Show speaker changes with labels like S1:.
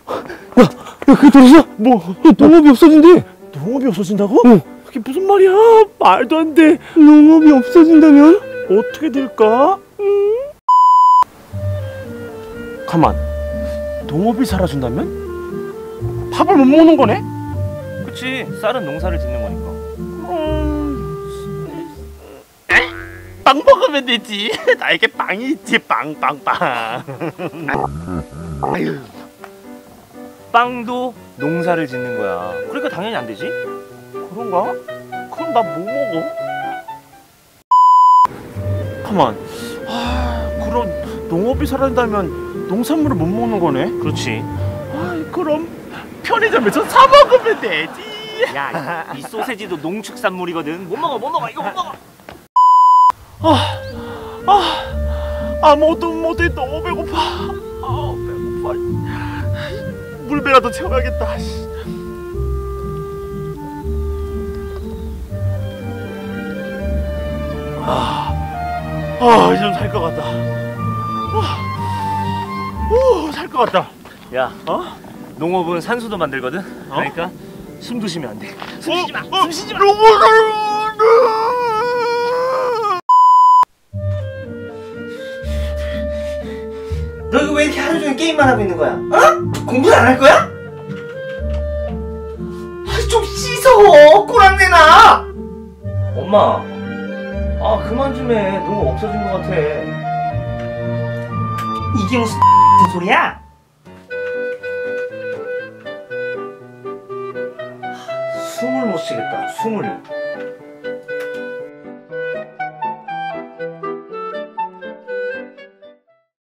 S1: 그거 들었어?
S2: 뭐?
S1: 농업이 없어진대.
S2: 농업이 없어진다고?
S1: 응.
S2: 그게 무슨 말이야? 말도 안 돼.
S1: 농업이 없어진다면?
S2: 어떻게 될까? 가만. 농업이 사라진다면? 밥을 못 먹는 거네?
S3: 그치, 쌀은 농사를 짓는 거니까.
S2: 빵 먹으면 되지. 나에게 빵이 있지. 빵. 아유.
S3: 빵도 농사를 짓는 거야. 그러니까 당연히 안 되지.
S2: 그런가? 그럼 나 뭐 먹어? 가만. 그럼 농업이 사라진다면 농산물을 못 먹는 거네?
S3: 그렇지.
S2: 그럼 편의점에서 사 먹으면 되지.
S3: 야, 이 소세지도 농축산물이거든. 못 먹어, 이거 못 먹어.
S2: 아무것도 못해. 너무 배고파. 배고파. 물배라도 채워야겠다. 이제 좀 살 것 같다. 살 것 같다.
S3: 야, 농업은 산소도 만들거든. 그러니까 숨도 쉬면 안 돼. 숨 쉬지 마. 숨 쉬지 마.
S4: 너 이거 왜 이렇게 하루 종일 게임만 하고 있는 거야? 공부는 안 할 거야? 좀 씻어! 꼬랑내나! 엄마, 그만 좀 해. 농업 없어진 것 같아. 이게 무슨 소리야? 숨을 못 쉬겠다, 숨을.